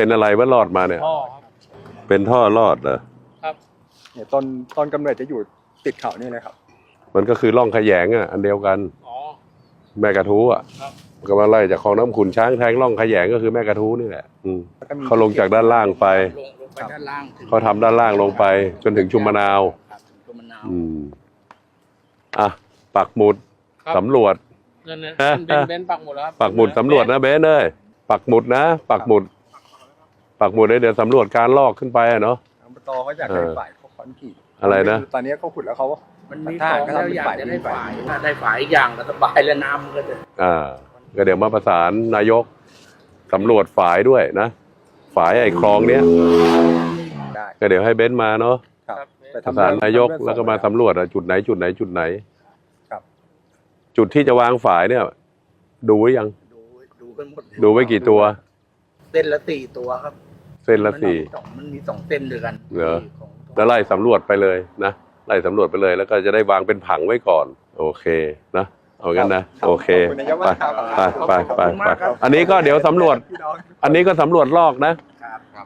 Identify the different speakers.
Speaker 1: เป็นอะไรว่ารอดมาเนี่ย
Speaker 2: ท่อครับ
Speaker 1: เป็นท่อรอดเหรอ
Speaker 2: ครับ
Speaker 3: เนี่ยต้นกำเนิดจะอยู่ติดเขานี่เลยครับ
Speaker 1: มันก็คือร่องขยงอ่ะอันเดียวกัน
Speaker 2: อ๋อ
Speaker 1: แม่กระทู้อ่ะ
Speaker 2: ครับ
Speaker 1: ก็มาไล่จากคลองน้ำขุนช้างแทงร่องขยงก็คือแม่กระทู้นี่แหละ
Speaker 3: แล้วก็มี
Speaker 1: เขาลงจากด้านล่างไป
Speaker 2: ลงไปด้านล่างถึง
Speaker 1: เขาทำด้านล่างลงไป จนถึงชุมมะนาว
Speaker 2: ครับถึงชุมมะนาว
Speaker 1: อ่ะปักหมุด
Speaker 2: ครับ
Speaker 1: สำรวจ
Speaker 2: นั่นนะเป็นปักหมุดแล้วครับ
Speaker 1: ปักหมุดสำรวจนะเบนเอ้ยปักหมุดนะปักหมุดเลยเดี๋ยวสำรวจการลอกขึ้นไปอะเนาะ
Speaker 3: อบตเขาอยากได้ฝ่ายเขาคอนกรีต
Speaker 1: อะไรนะ
Speaker 3: ตอนนี้เขาขุดแล้วเขา
Speaker 2: มันมี
Speaker 3: ท
Speaker 2: ข
Speaker 3: หา
Speaker 2: อ
Speaker 3: รง ก็
Speaker 2: แล้ว
Speaker 3: ทำเป็น
Speaker 2: อยาก
Speaker 3: ฝ่าย
Speaker 2: จะได้ฝ่ายถ้าได้ฝ่ายอีกอย่างก็สบายแล้วน้ำมันก็จะ
Speaker 1: ก็เดี๋ยวมาประสานนายกสำรวจฝายด้วยนะฝายไอ้คลองเนี้ย
Speaker 3: ได้
Speaker 1: ก็เดี๋ยวให้เบนซ์มาเนาะ
Speaker 3: ครับไป
Speaker 1: ประ
Speaker 3: ทำ
Speaker 1: สานนายก
Speaker 3: ทำ
Speaker 1: แล้วก็มาสำรวจอะจุดไหน
Speaker 3: ครับ
Speaker 1: จุดที่จะวางฝายเนี่ย ดูไว้ยัง
Speaker 2: ดูกันหมด
Speaker 1: ดูไว้กี่ตัว
Speaker 2: เส้นละ4 ตัวครับ
Speaker 1: เส้นละสี่
Speaker 2: มันมี 2 เส้นด้วยกัน
Speaker 1: เหรอ
Speaker 2: ของ
Speaker 1: แล้วไล่สำรวจไปเลยนะไล่สำรวจไปเลย แล้วก็จะได้วางเป็นผังไว้ก่อน โอเคนะเอางั้นนะโอเค
Speaker 3: ขอบคุณนายกมากครับ
Speaker 1: ไปอันนี้ก็เดี๋ยวสำรวจ
Speaker 3: พี่น้อง
Speaker 1: อันนี้ก็สำรวจลอกนะ